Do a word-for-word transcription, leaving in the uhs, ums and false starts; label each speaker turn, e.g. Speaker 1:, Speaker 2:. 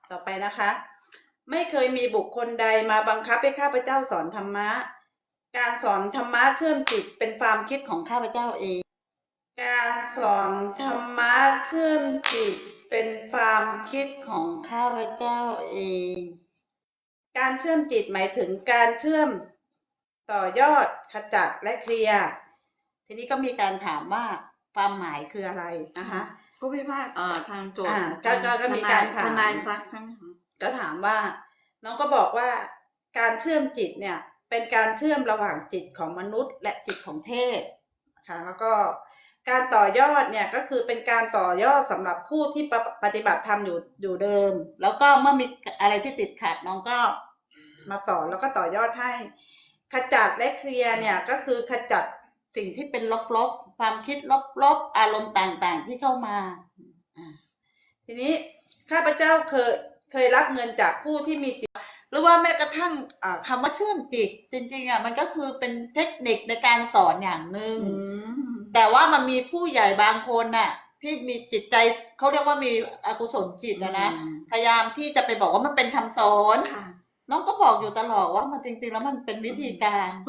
Speaker 1: ต่อไปนะคะ ไม่เคยมีบุคคลใดมาบังคับให้ข้าพเจ้าสอนธรรมะการสอนธรรมะเชื่อมจิตเป็นความคิดของข้าพเจ้าเองการสอนธรรมะเชื่อมจิตเป็นความคิดของข้าพเจ้าเองการเชื่อมจิตหมายถึงการเชื่อมต่อยอดขจัดและเคลียร์ทีนี้ก็มีการถามว่าความหมายคืออะไรนะคะ
Speaker 2: ผู้พิพากษาเอ่อทางโจทย์
Speaker 1: ก็ก็ก็มีการถาม
Speaker 2: ทนายซักใช่ไหมคะ
Speaker 1: ก็ถามว่าน้องก็บอกว่าการเชื่อมจิตเนี่ยเป็นการเชื่อมระหว่างจิตของมนุษย์และจิตของเทพค่ะแล้วก็การต่อยอดเนี่ยก็คือเป็นการต่อยอดสำหรับผู้ที่ปฏิบัติธรรมอยู่อยู่เดิมแล้วก็เมื่อมีอะไรที่ติดขัดน้องก็มาสอนแล้วก็ต่อยอดให้ขจัดและเคลียร์เนี่ยก็คือขจัดสิ่งที่เป็นลบๆความคิดลบๆอารมณ์ต่างๆที่เข้ามาทีนี้ข้าพเจ้าเคยเคยรับเงินจากผู้ที่มีจิตหรือว่าแม้กระทั่งคำว่าเชื่อมจิตจริงๆอ่ะมันก็คือเป็นเทคนิคในการสอนอย่างหนึ่งแต่ว่ามันมีผู้ใหญ่บางคนน่ะที่มีจิตใจเขาเรียกว่ามีอกุศลจิตนะนะพยายามที่จะไปบอกว่ามันเป็นคำสอนน้องก็บอกอยู่ตลอดว่ามันจริงๆแล้วมันเป็นวิธีการ